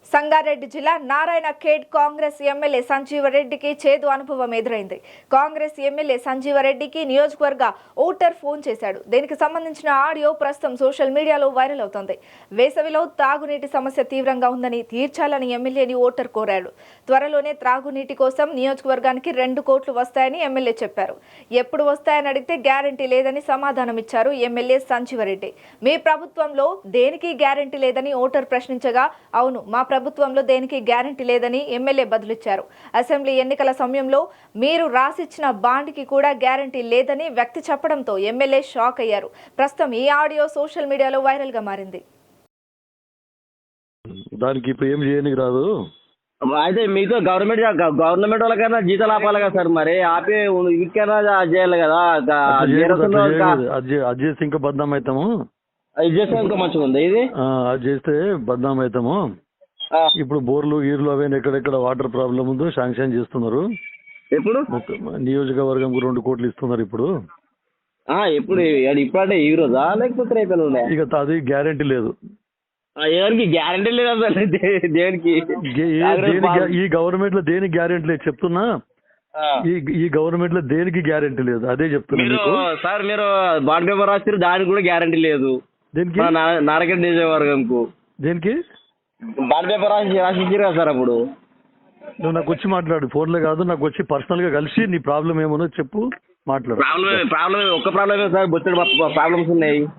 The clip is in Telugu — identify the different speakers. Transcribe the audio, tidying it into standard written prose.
Speaker 1: సంగారెడ్డి జిల్లా నారాయణ ఖేడ్ కాంగ్రెస్ ఎమ్మెల్యే సంజీవరెడ్డికి చేదు అనుభవం ఎదురైంది. కాంగ్రెస్ ఎమ్మెల్యే సంజీవరెడ్డికి నియోజకవర్గ ఓటర్ ఫోన్ చేశాడు. దీనికి సంబంధించిన ఆడియో ప్రస్తుతం సోషల్ మీడియాలో వైరల్ అవుతోంది. వేసవిలో తాగునీటి సమస్య తీవ్రంగా ఉందని తీర్చాలని ఎమ్మెల్యేని ఓటర్ కోరాడు. త్వరలోనే త్రాగునీటి కోసం నియోజకవర్గానికి 2 కోట్లు వస్తాయని ఎమ్మెల్యే చెప్పారు. ఎప్పుడు వస్తాయని అడిగితే గ్యారంటీ లేదని సమాధానమిచ్చారు ఎమ్మెల్యే సంజీవరెడ్డి. మీ ప్రభుత్వంలో దేనికి గ్యారంటీ లేదని ఓటర్ ప్రశ్నించగా అవును మా ప్రభుత్వంలో దేనికి గ్యారంటీ లేదని ఎమ్మెల్యే బదులిచ్చారు. అసెంబ్లీ ఎన్నికల సమయంలో మీరు రాసిచ్చిన బాండ్కి కూడా గ్యారంటీ లేదని వ్యక్తి చెప్పడంతో ఎమ్మెల్యే షాక్ అయ్యారు. ప్రస్తుతం ఈ ఆడియో సోషల్ మీడియాలో వైరల్ గా మారింది.
Speaker 2: దానికి ఇప్పుడు ఏం చేయడానికి రాదు.
Speaker 3: అయితే మీతో గవర్నమెంట్ వాళ్ళకైనా జీతాలు ఆపాలి కదా సార్, మరి ఆపి వీటికైనా చేయాలి కదా.
Speaker 2: అది చేస్తే ఇంకా బద్నాం అవుతాము.
Speaker 3: ఇది చేస్తే ఇంకా మంచిగా ఉంది. ఇది
Speaker 2: అది చేస్తే బద్నాం అవుతాము. ఇప్పుడు బోర్లు గీర్లు అవన్నీ ఎక్కడెక్కడ వాటర్ ప్రాబ్లం ఉందో శాంక్షన్ చేస్తున్నారు.
Speaker 3: ఎప్పుడు
Speaker 2: నియోజకవర్గం 2 కోట్లు ఇస్తున్నారు ఇప్పుడు.
Speaker 3: ఎప్పుడు ఇప్పుడంటే ఈ రోజా లేకపోతే రేపు
Speaker 2: ఇక అది గ్యారంటీ లేదు.
Speaker 3: ఎవరికి గ్యారంటీ లేదు అసలు దేనికి?
Speaker 2: ఈ గవర్నమెంట్ లో దేనికి గ్యారంటీ లేదు చెప్తున్నా. ఈ గవర్నమెంట్ లో దేనికి గ్యారంటీ లేదు, అదే చెప్తున్నా
Speaker 3: సార్. మీరు బాండ్ పేపర్ రాస్తారు, దానికి కూడా గ్యారంటీ లేదు.
Speaker 2: దేనికి?
Speaker 3: నారాయణ నియోజకవర్గంకు
Speaker 2: దేనికి
Speaker 3: బాండ్ పేపర్ రాసిచ్చారు కదా సార్. అప్పుడు
Speaker 2: నువ్వు నాకు వచ్చి మాట్లాడు, ఫోన్లో కాదు, నాకు వచ్చి పర్సనల్ గా కలిసి నీ ప్రాబ్లం ఏమో చెప్పు, మాట్లాడు.
Speaker 3: ప్రాబ్లం ఒక్క ప్రాబ్లమే సార్, బొచ్చడు ప్రాబ్లమ్స్ ఉన్నాయి.